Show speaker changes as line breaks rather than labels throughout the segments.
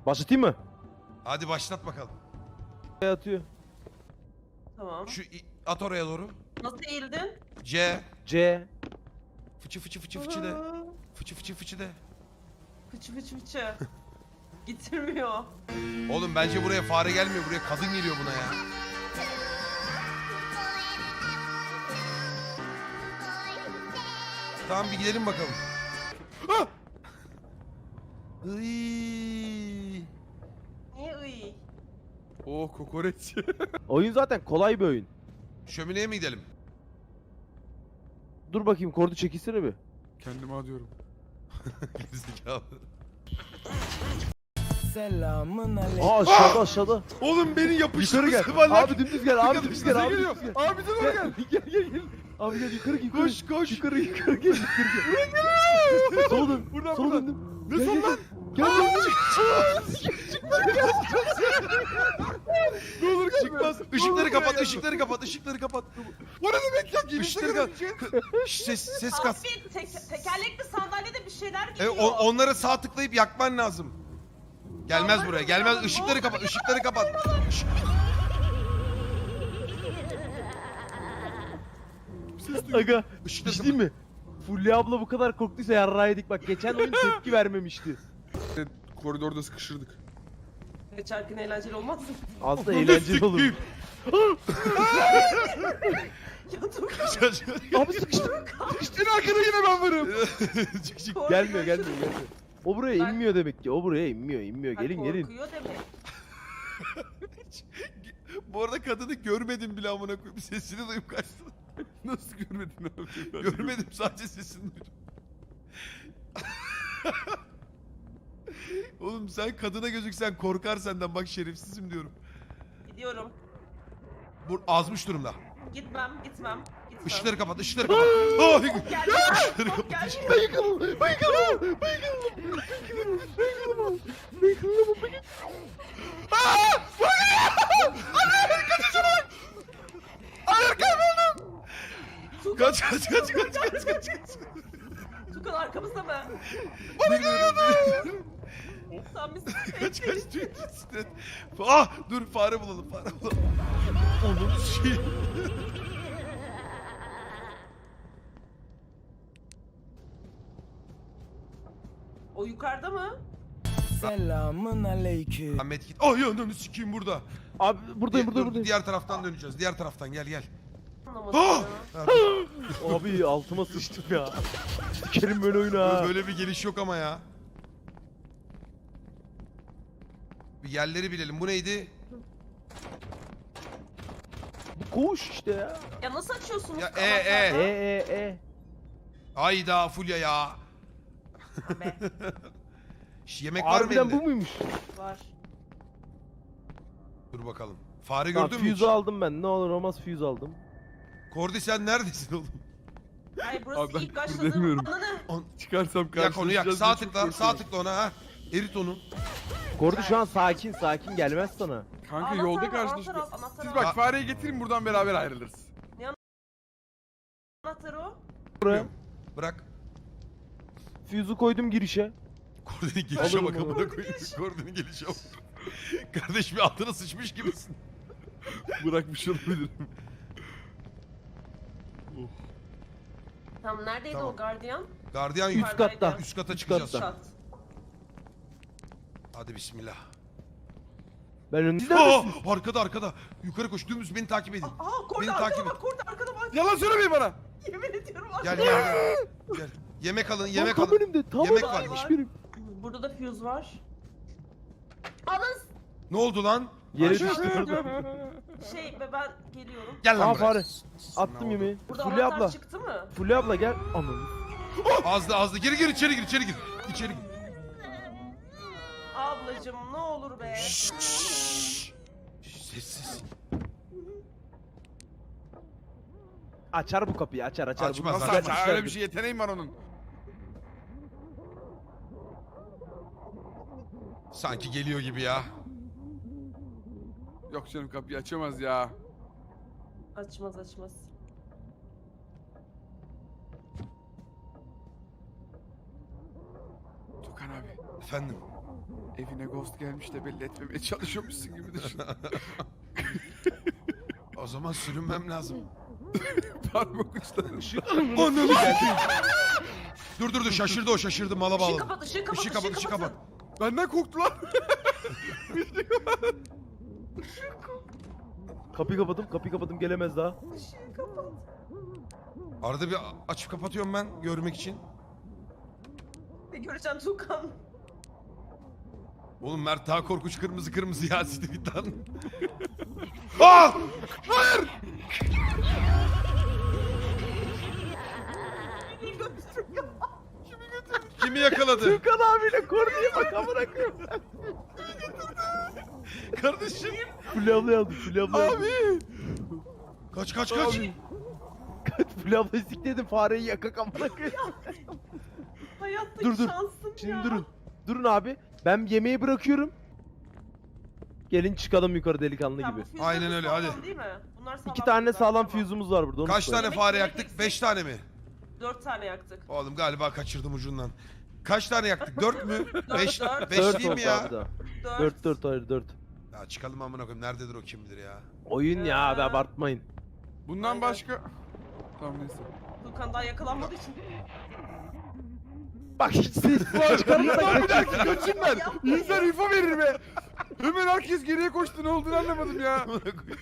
Başlatayım mı?
Hadi başlat bakalım.
Atıyor.
Tamam.
At oraya doğru.
Nasıl eğildin?
C.
C.
Fıçı fıçı fıçı fıçı de. Fıçı fıçı fıçı de.
Fıçı fıçı fıçı. Getirmiyor.
Oğlum bence buraya fare gelmiyor. Buraya kadın geliyor buna ya. Tamam bir gidelim bakalım. Ah! Iiii.
Niye ıy?
Oh kokoreç.
Oyun zaten kolay bir oyun.
Şömineye mi gidelim?
Dur bakayım kordu çekilsene bir.
Kendime adıyorum.
Gerizekalı.
Selamın aleyküm.
Aa aşağıda aşağıda.
Oğlum beni
Yukarı gel.
sıvırlar.
Abi dümdüz gel abi dümdüz gel abi.
geliyor.
Dümdüz gel.
Abi bize doğru gel.
Gel. Abi gel yukarı yukarı.
Koş koş.
Yukarı gel yukarı gel. Sola dön.
Buradan,
Sola
buradan.
döndüm.
Ne son lan?
Gel.
Ne olur gelme.
Çıkmaz. Işıkları kapat, ışıkları kapat, ışıkları kapat.
Bu ne demek ya? Girişte
Işıkları kapat.
görünce.
Ses kas.
Abi tekerlekli sandalyede bir şeyler
E,
geliyor.
onlara sağ tıklayıp yakman lazım. Gelmez
Yandan
buraya,
kırıyorum,
gelmez.
ne
Işıkları
olur
kapat, ışıkları kapat.
Aga
Işıkları
bir şey mi? Fulya abla bu kadar korktuysa yarrağıydık bak geçen oyun tepki vermemişti.
Koridorda sıkışırdık.
Geçerken eğlenceli olmaz mı?
Aslında eğlenceli olur.
Ya dur.
Abi sıkıştım.
En arkada yine ben varım.
Çık çık.
Gelmiyor. O buraya
Ben-
inmiyor demek ki. O buraya inmiyor. Gelin.
Korkuyor demek.
Bu arada kadını görmedim bile amına koyayım. Sesini duyup kaçtım.
Nasıl görmedin abi?
Görmedim, sadece sesini duydum. Oğlum sen kadına gözüksen korkar senden, bak şerefsizim diyorum.
Gidiyorum.
Bu azmış durumda.
Gitmem.
Işıkları kapat, ışıkları kapat. Oh!
Gel.
Işıkları kapat.
Gel.
Kaç.
Tukan arkamızda mı? Sen misin?
Kaç tüyt. Ah dur, fare bulalım. Onun şey.
O yukarıda mı?
Selamın aleyküm.
Ahmet git. Ay yanını sikeyim burada.
Abi buradayım.
Dur, diğer taraftan döneceğiz. Diğer taraftan gel.
Anlamadım
Ah!
ya.
Ha, dur.
Abi altıma sıçtım ya. Sikerim böyle oyunu ha.
Böyle bir geliş yok ama ya. Bir yerleri bilelim. Bu neydi?
Bu koğuş işte ya.
Ya nasıl açıyorsunuz?
Ya,
E.
Ayda Fulya ya.
Be,
Yemek var mı
Harbiden
elinde?
bu muymuş?
var.
Dur bakalım. Fare
Tamam,
gördün mü hiç?
füze aldım ben. Ne olur olmaz füze aldım.
Kordi sen neredesin oğlum?
Ay burası
Abi ben
ilk
buradayım.
başladığım ananı.
Çıkarsam
Yak onu yak.
karşılaşacağız
Sağ
diye çok
tıkla. Sağ
korkuyorum.
tıkla ona ha. Erit onu.
Kordu şu an sakin gelmez sana.
Kanka
Anahtar
yolda
al,
karşılaştık.
anahtar
Siz
al.
bak fareyi getirin buradan beraber ayrılırız.
Anahtarı o.
Buraya
Bırak.
füzü koydum girişe.
Kordi'nin gelişe
Alırım
bak
onu.
amına koyayım. Kordi'nin gelişe bak. Kardeş bir altına sıçmış gibisin.
Bırakmış olabilirim.
Tamam neredeydi
Tamam.
o gardiyan?
Gardiyan
Üst
Yukarıdaydı.
katta.
üst kata
Üst
çıkacağız.
katta.
Şat.
Hadi bismillah.
Ben önünüz
Aa,
neredesiniz?
arkada. Yukarı koş. Dümdüz beni takip edin.
Aa korda
Beni
arkada
takip
bak, korda arkada bak.
Yalan söylemeyin bana.
Yemin ediyorum
Gel
arkada.
gel. Yemek alın,
Lan
yemek
tam
alın.
önümde. Tam
Yemek
önümde.
var.
Hiçbirim.
Burada da fuse var. Anız
Ne oldu lan?
Yere
Aşağı-
düştü orada.
ben geliyorum.
Gel lan
Aa
buraya.
fare. Attım yemeği.
Burada
Fulya
anahtar
abla.
çıktı mı?
Fulya abla gel. Aman.
Azdı. Gir içeri gir. İçeri gir.
Ablacım ne olur be.
Sessiz.
Açar bu kapıyı açar.
Açmaz,
Bu
Nasıl
Zaten
açar?
güzel
Öyle bir şey yeteneğim var onun.
Sanki geliyor gibi ya.
Yok canım kapıyı açamaz ya.
Açmaz.
Tukan abi.
Efendim.
Evine ghost gelmiş de belli etmemeye çalışıyormuşsun gibi düşün.
O zaman sürünmem lazım.
Parmak uçları.
Ananı satayım. Dur şaşırdı o şaşırdı mala
Işığı
bağladı.
kapat, ışığı kapat,
Işığı kapat, ışığı kapat.
Benden korktular.
Kapıyı kapadım gelemez daha.
Işığı kapat.
Arada bir açıp kapatıyorum ben görmek için.
Ne göreceğim Tuğkan?
Oğlum Mert daha korkunç kırmızı ya siktir git lan. Aa! Hayır! Kimi yakaladı?
Tukan abiyle Kordi'ye bak amına koyayım.
Kardeşim.
Fulya ablayı aldım. Fulya ablayı aldım.
Abi.
Kaç.
Kaç Fulya ablayı sikledim fareyi yakak amına koyayım.
Hayattaki
Dur.
şansım
Şimdi
ya.
durun. Durun abi. Ben yemeği bırakıyorum. Gelin çıkalım yukarı delikanlı
Tamam,
gibi.
bu füzeler
Aynen öyle,
sağlam
hadi.
değil mi? Bunlar sağlam.
2 tane
füzeler,
sağlam
tamam.
füzümüz var burada. Onu
Kaç
söyle.
tane fare
yemek
yaktık?
eksik.
5 tane mi?
4 tane yaktık.
Oğlum galiba kaçırdım ucundan. Kaç tane yaktık? 4 mü? 5
dört.
5
4
değil mi ya?
4.
4 hayır 4.
Ya çıkalım amına koyayım. Nerededir o kim bilir ya?
Oyun ya abi abartmayın.
Bundan
Aynen.
başka... Tamam neyse.
Tuğkan daha yakalanmadığı için.
Bak hiç ses falan çıkarmadan kaçıyor.
Kaçınlar. İnsan info verir be. Hemen herkes geriye koştu, ne olduğunu anlamadım ya.
Amına koyayım.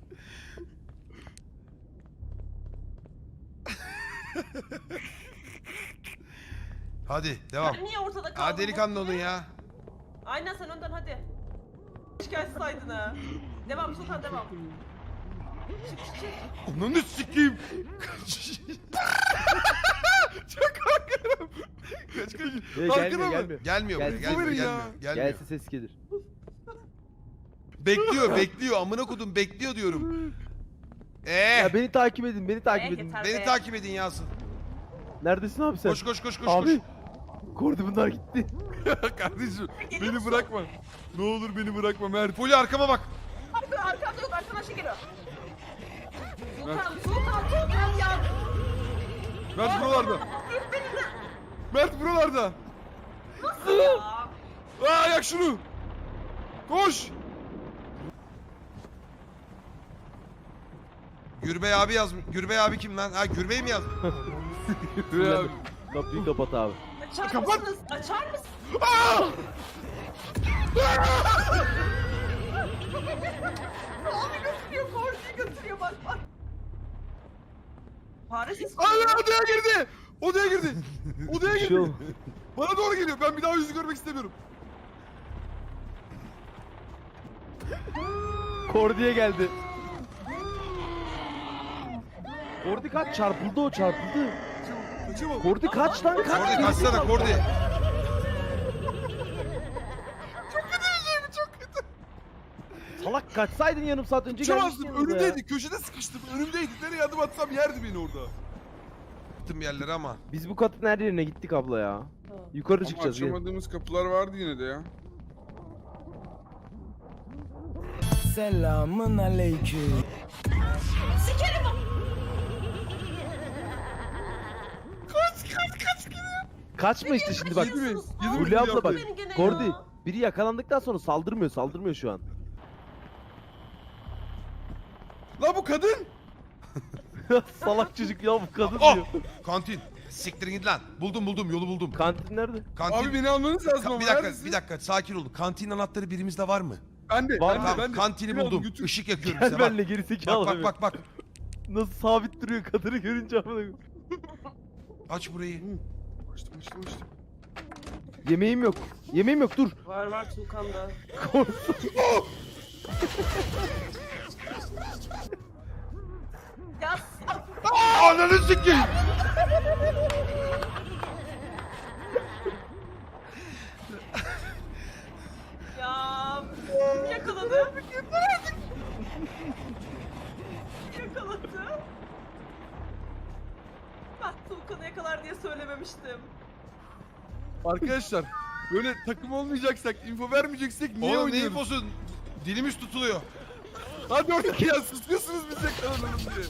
Hadi devam.
Ben niye ortada kaldım?
Ha delikanlı olun ya.
Aynen sen önden hadi. Şikayet saydın ha. Devam Tuğkan devam. Çık.
Ananı sikeyim. Kaç.
Çok korkuyorum. Kaç.
Gelmiyor gelmiyor.
Gelmiyor buraya,
Gel-
gelmiyor,
ya.
gelmiyor.
Gelse ses gelir.
Bekliyor. Amına kodum bekliyor diyorum.
Ya beni takip edin beni takip edin.
yeter.
Beni takip edin Yasin.
Neredesin abi sen?
Koş.
Abi. Kordi bunlar gitti.
Kardeşim beni
Geliyorsun.
bırakma. Ne olur beni bırakma Mert.
Fulya arkama bak.
Arkanda yok arkadan şey geliyor. Tuğkan ya.
Mert buralarda. Mert buralarda.
Ya.
Aa yak şunu. Koş.
Gürbey abi yazmış. Gürbey abi kim lan? Ha Gürbey mi yazmış?
Ya,
Kapıyı kapat abi.
Açar
Kapat.
mısınız? Açar mısın? Abi götürüyor, Kordi'yi götürüyor bak. Fare sesi.
Allah odaya girdi. Odaya girdi. Odaya
Bir şey
girdi.
oldu.
Bana doğru geliyor. Ben bir daha yüzü görmek istemiyorum.
Kordi'ye geldi. Kordi kaç çarpıldı o çarpıldı.
Kaçamam.
Kordi kaç lan kaç.
Kordi kaçsana Kordi.
Salak kaçsaydın yarım saat önce
Kaçamazdım.
gelmiştin yanımıza ya.
Önümdeydi. Köşede sıkıştım. Önümdeydi. Nereye adım atsam yerdi beni orada.
Gittim yerlere ama.
Biz bu katın her yerine gittik abla ya. Yukarı
Ama
çıkacağız. Gel.
açamadığımız kapılar vardı yine de ya.
Selamın aleyküm.
Kaçma işte şimdi bak.
Yedi mi? Yedi mi?
Fulya abla bak.
Beni gene
Kordi
ya.
biri yakalandıktan sonra saldırmıyor şu an.
La bu kadın.
Salak çocuk ya bu kadın
Oh!
diyor.
Kantin. Siktirin git lan. Buldum yolu buldum.
Kantin nerede?
Kantin.
Abi beni almanız lazım ama.
Bir dakika sakin olun. Kantin anahtarı birimizde var mı?
Ben de.
Var
ben
mı?
de,
Tamam
ben de.
kantini
Beni alın,
buldum.
götür.
Işık yakıyorum
Gel
size bak.
benimle geri zekalı.
Bak.
Nasıl sabit duruyor kadını görünce amına koyayım.
Aç burayı.
Açtım.
Yemeğim yok. Yemeğim yok dur.
Var Tuğkan'da. Ya
Ananı sikeyim.
ya yakaladı. Yakaladı. Ben Tuğkan'ı yakalar diye söylememiştim.
Arkadaşlar böyle takım olmayacaksak, info vermeyeceksek niye
Oğlum ne
oynuyoruz?
infosun? Dilimiz tutuluyor.
Hadi oradaki ya susuyorsunuz biz yakalanalım diye.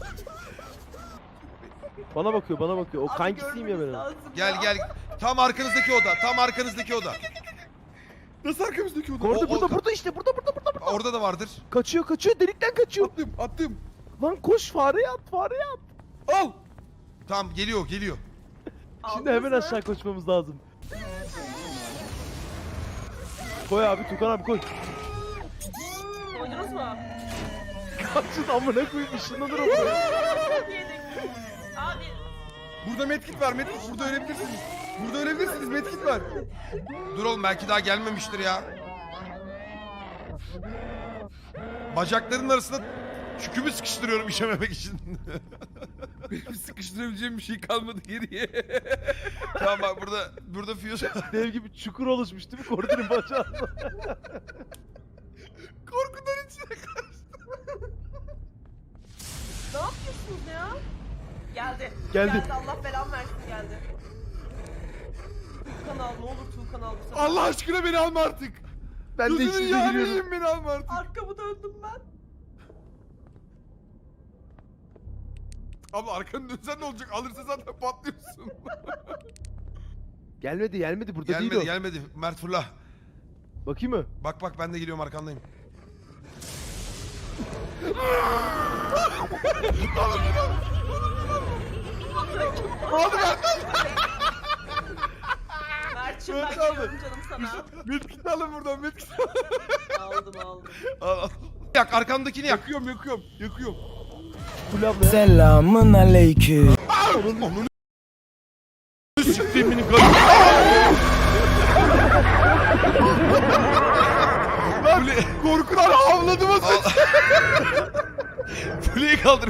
Bana bakıyor. O
Abi
kankisiyim ya
görmeniz
benim.
lazım
Gel. Tam arkanızdaki oda.
Nasıl arkamızdaki oda?
Orada
o-
burada işte burada.
Orada da vardır.
Kaçıyor delikten kaçıyor.
Attım.
Lan koş fareye at.
Al.
Tamam geliyor.
Şimdi hemen
Aldınız mı?
aşağı koşmamız lazım. Koy abi Tukan abi koy.
Koydunuz mu?
Kaçın amına koyayım ışınlanır o buraya.
Yedik. Abi
Burada medkit var. Burada ölebilirsiniz. Medkit var.
Dur oğlum belki daha gelmemiştir ya. Bacaklarının arasına çükümü sıkıştırıyorum işememek için.
Benim sıkıştırabileceğim bir şey kalmadı geriye.
Tamam bak burada fuse.
Dev gibi çukur oluşmuş değil mi koridorun bacağında?
Korkudan içine kaçtı.
ne yapıyorsunuz ya?
Geldi.
Allah belamı versin geldi. Tuğkan al ne olur Tuğkan al bu sefer.
Allah aşkına beni alma artık.
Ben de
Gözünün
içinize
yağını
giriyorum.
yiyeyim, beni alma artık.
Arkamı döndüm ben.
Abla arkanı dönsen ne olacak? Alırsa zaten patlıyorsun.
Gelmedi burada değil o.
Gelmedi. Mert fırla.
Bakayım mı?
Bak ben de geliyorum arkandayım.
Mert'cim ben
Evet,
geliyorum canım sana.
Medkit alın buradan medkit.
aldım.
Al. Yak arkamdakini yak.
Yakıyorum.
Kul abla.
Selamın aleyküm.
Onun
Siktiğimini
Korkudan havladım o
Al. Fuleyi kaldır.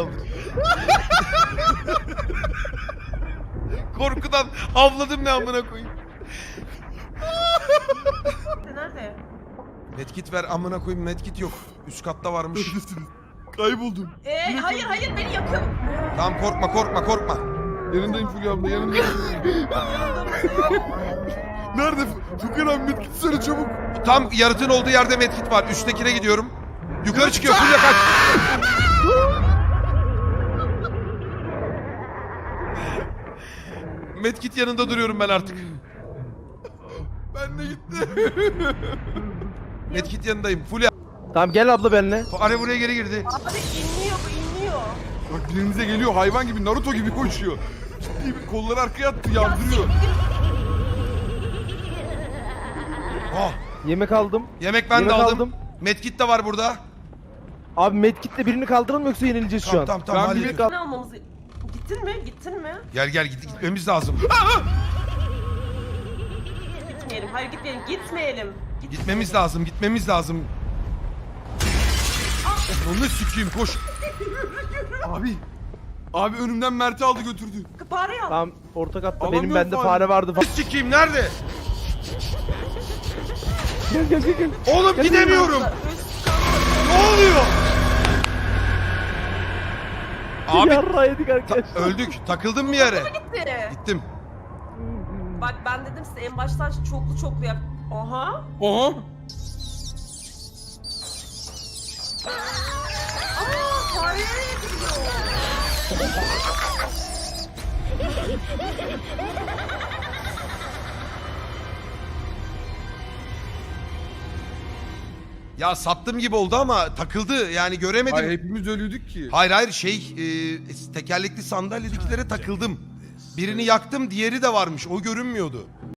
Korkudan havladım ne amına koyayım.
Nerede?
Medkit ver amına koyayım, medkit yok. Üst katta varmış.
Kayboldum.
Hayır beni yakın.
Tamam korkma.
Yanındayım Fulya abla yanındayım. Nerede? Tukan abi medkit söyle çabuk.
Tam yaratığın olduğu yerde medkit var. Üsttekine gidiyorum. Yukarı çıkıyor. Fulya kaç. Medkit yanında duruyorum ben artık.
Ben de gitti.
Medkit yanındayım. Fulya.
Tamam gel abla benimle.
Are buraya geri girdi.
Abi inmiyor.
Bak birinize geliyor hayvan gibi Naruto gibi koşuyor. Ciddi bir kolları arkaya attı yardırıyor.
Oh.
Yemek aldım.
Yemek ben de
Yemek
aldım.
aldım.
Medkit de var burada.
Abi medkitle birini kaldıralım yoksa yenileceğiz şu an.
Tamam
Ben
hallediyorum.
bir-
Ne almamızı... Gittin mi?
Gel gitmemiz lazım.
Gitmeyelim. Hayır gitmeyelim.
Gitmemiz lazım. Onu sikeyim koş.
Abi önümden Mert'i aldı götürdü.
Fare al.
Tamam orta katta
Alamıyorum
benim bende
fare.
fare vardı falan.
Sikeyim nerede?
Gel.
Oğlum gidemiyorum. Ne oluyor? Abi
Yarra yedik arkadaşlar.
öldük. Takıldım bir yere.
Gitti.
Gittim.
Bak ben dedim size en baştan çoklu yap. Aha.
Oha.
Fare nereye gidiyor?
Ya sattım gibi oldu ama takıldı. Yani göremedim.
Ay hepimiz ölüydük ki.
Hayır tekerlekli sandalyedekilere takıldım. Birini yaktım, diğeri de varmış. O görünmüyordu.